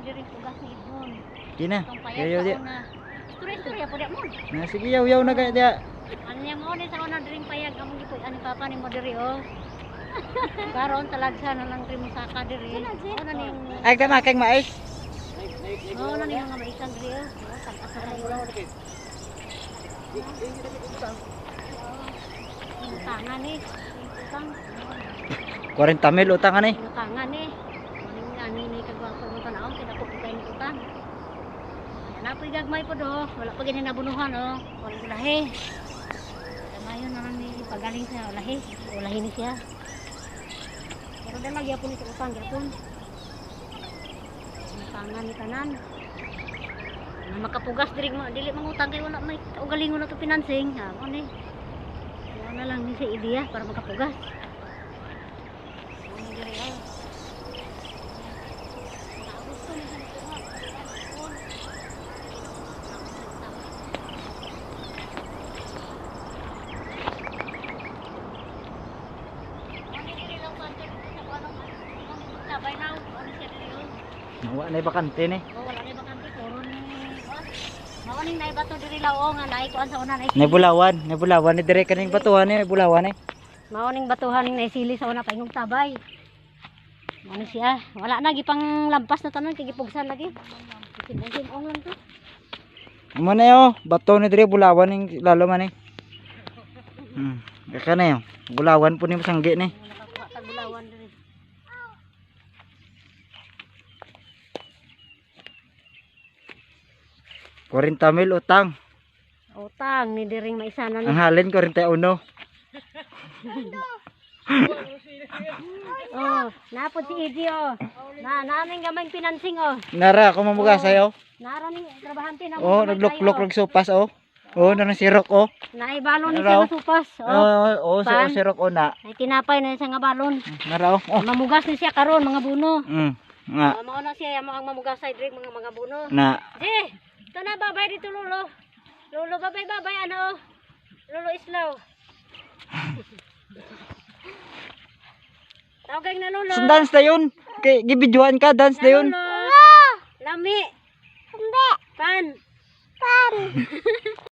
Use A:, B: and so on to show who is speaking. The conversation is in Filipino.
A: diri tugas ni Idmon.
B: Kina.
A: Tong
B: Yaw
A: payag
B: di.
A: sa una. Istorya po dia mo.
B: Na sige yaw na kaya dia.
A: Ano niya mo ni sa una diri payag among gipud ani papa ni mo diri oh. Karon talagsa na lang trimo saka diri. Ano ning
B: Ay tama kay mais.
A: ano ning mga maisan diri oh. Tag-asa na ulo. Tangan ni. Utang.
B: 40 mil utang ani.
A: Tangan ni. Ani ni kagwapo mo tanaw kinako kay ni utang. Napoy gagmay po do, wala pa gini nabunuhan oh. Wala lahi. Mayon na lang ni pagaling sa lahi. Lahi ni siya. Pero dala gyapon ito utang gyapon. Tangan ni tanan. Na makapugas diri mo dili mangutang kay wala may ugalingon na to financing. Ha, mo ni. Wala na lang ni sa ideya para makapugas. Ano diri ah. Gusto ni sa
B: Wala na bakante ni.
A: oh, wala na bakante puro ni maoning nay bato diri lao nga nay kuan sa una nay
B: Nebulawan ni dire kaning batuhan ni bulawan ni.
A: maoning batuhan ning naisili sa una paingong tabay. Ano siya? Wala na gipang lampas na tanon kay gipugsan lagi. Simong lang to.
B: Amo na yo, bato ni dire bulawan ning lalo man ni. Kaka na yo. Bulawan po ni masanggi ni.
A: Nakakuha tag bulawan diri.
B: Mil utang.
A: Utang ni diring maisanan
B: Ang halin 41.
A: Oh, napod si Idi oh. Naming gamay financing oh.
B: Nara ako mamugasay oh.
A: Nara ning trabahante na.
B: Oh, nagluklok og sopas oh. Oh, nang sirok oh.
A: Naibalon ni siya nga supas.
B: Oh,
A: Pan.
B: sirok oh na.
A: Ay tinapay na siya nga balon.
B: Nara oh.
A: Mamugas ni siya karon mga buno.
B: Nga.
A: Mao na siya mo ang mamugasay diri mga buno.
B: Na.
A: Di, ito na babay dito lolo. Lolo babay ano. Lolo islaw. Tawag na lolo.
B: So dance na yun. Kay gibidyoan ka, dance na yun.
A: Lolo. Lami. Pan.